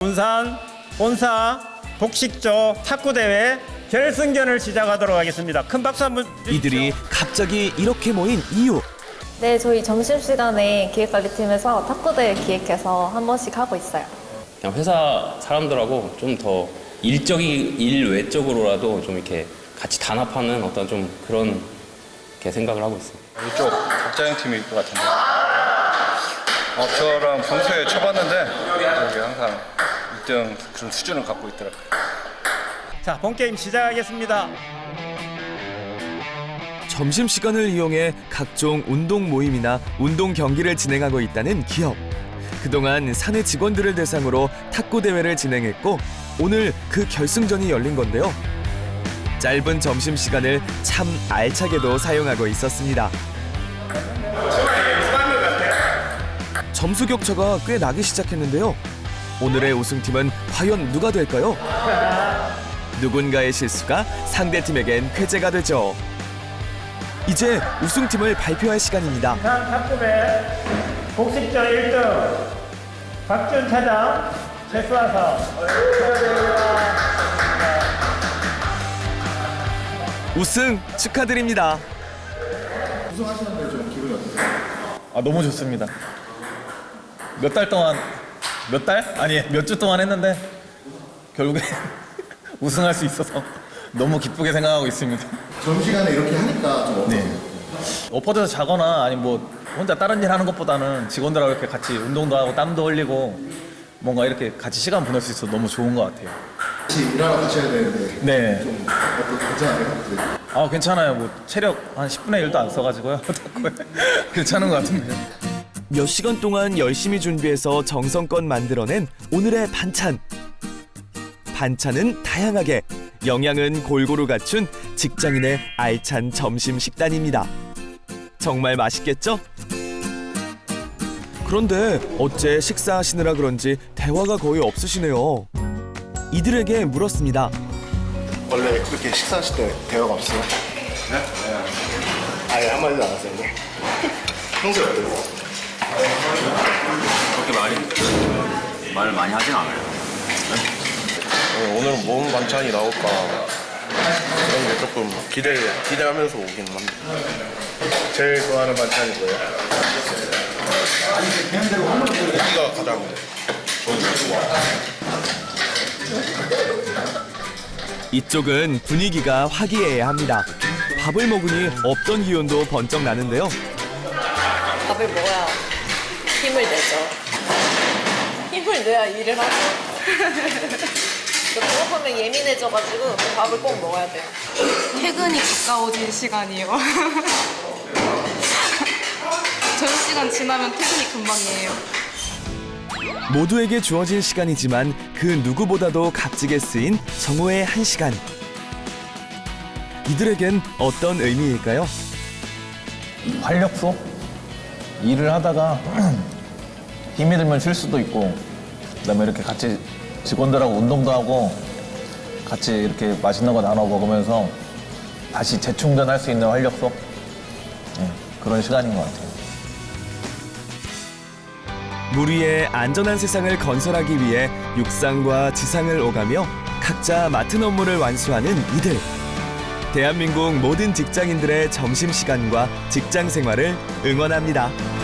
군산 본사 복식조 탁구대회 결승전을 시작하도록 하겠습니다. 큰 박수 한번 주십시오. 이들이 갑자기 이렇게 모인 이유. 네, 저희 점심시간에 기획관리팀에서 탁구대회 기획해서 한 번씩 하고 있어요. 그냥 회사 사람들하고 좀 더 일 외적으로라도 좀 이렇게 같이 단합하는 어떤 좀 그런 게 생각을 하고 있어요. 이쪽 박자영 팀일 것 같은데. 저랑 평소에 쳐봤는데 여기 항상 1등 그런 수준을 갖고 있더라고요. 자, 본게임 시작하겠습니다. 점심시간을 이용해 각종 운동 모임이나 운동 경기를 진행하고 있다는 기업. 그동안 사내 직원들을 대상으로 탁구 대회를 진행했고 오늘 그 결승전이 열린 건데요. 짧은 점심시간을 참 알차게도 사용하고 있었습니다. 점수 격차가 꽤 나기 시작했는데요. 오늘의 우승팀은 과연 누가 될까요? 누군가의 실수가 상대팀에겐 쾌재가 되죠. 이제 우승팀을 발표할 시간입니다. 군산 탁구대 복식조 1등 박준 차장 최수아서 우승 축하드립니다. 우승하시는데 좀 기분이 어떠세요? 너무 좋습니다. 몇 달 동안 몇 달? 아니 몇 주 동안 했는데 결국에 우승할 수 있어서 너무 기쁘게 생각하고 있습니다. 점심시간에 이렇게 하니까 좀 어떠세요? 네. 엎어져서 자거나 아니 뭐 혼자 다른 일 하는 것보다는 직원들하고 이렇게 같이 운동도 하고 땀도 흘리고 뭔가 이렇게 같이 시간 보낼 수 있어서 너무 좋은 것 같아요. 같이 일하러 가셔야 되는데 네. 좀 괜찮아요? 괜찮아요. 뭐 체력 한 10분의 1도 안 써가지고요. 괜찮은 것 같은데. 몇 시간 동안 열심히 준비해서 정성껏 만들어낸 오늘의 반찬. 반찬은 다양하게, 영양은 골고루 갖춘 직장인의 알찬 점심 식단입니다. 정말 맛있겠죠? 그런데 어째 식사하시느라 그런지 대화가 거의 없으시네요. 이들에게 물었습니다. 원래 그렇게 식사하실 때 대화가 없어요? 네? 아예 한마디도 안 하세요? 평소에 어때요? 그렇게 말을 많이 하진 않아요. 오늘은 뭔 반찬이 나올까 그런 게 조금 기대하면서 오긴 합니다. 제일 좋아하는 반찬이 뭐예요? 고기가 가장 이쪽은 분위기가 화기애애합니다. 밥을 먹으니 없던 기운도 번쩍 나는데요. 밥을 먹어야 힘을 내죠. 힘을 내야 일을 하죠. 배고프면 예민해져가지고 밥을 꼭 먹어야 돼요. 퇴근이 가까워진 시간이에요. 점심시간 지나면 퇴근이 금방이에요. 모두에게 주어진 시간이지만 그 누구보다도 값지게 쓰인 정오의 1시간. 이들에겐 어떤 의미일까요? 활력소? 일을 하다가 힘이 들면 쉴 수도 있고 그다음에 이렇게 같이 직원들하고 운동도 하고 같이 이렇게 맛있는 거 나눠 먹으면서 다시 재충전할 수 있는 활력소? 네, 그런 시간인 것 같아요. 물 위에 안전한 세상을 건설하기 위해 육상과 지상을 오가며 각자 맡은 업무를 완수하는 이들. 대한민국 모든 직장인들의 점심시간과 직장 생활을 응원합니다.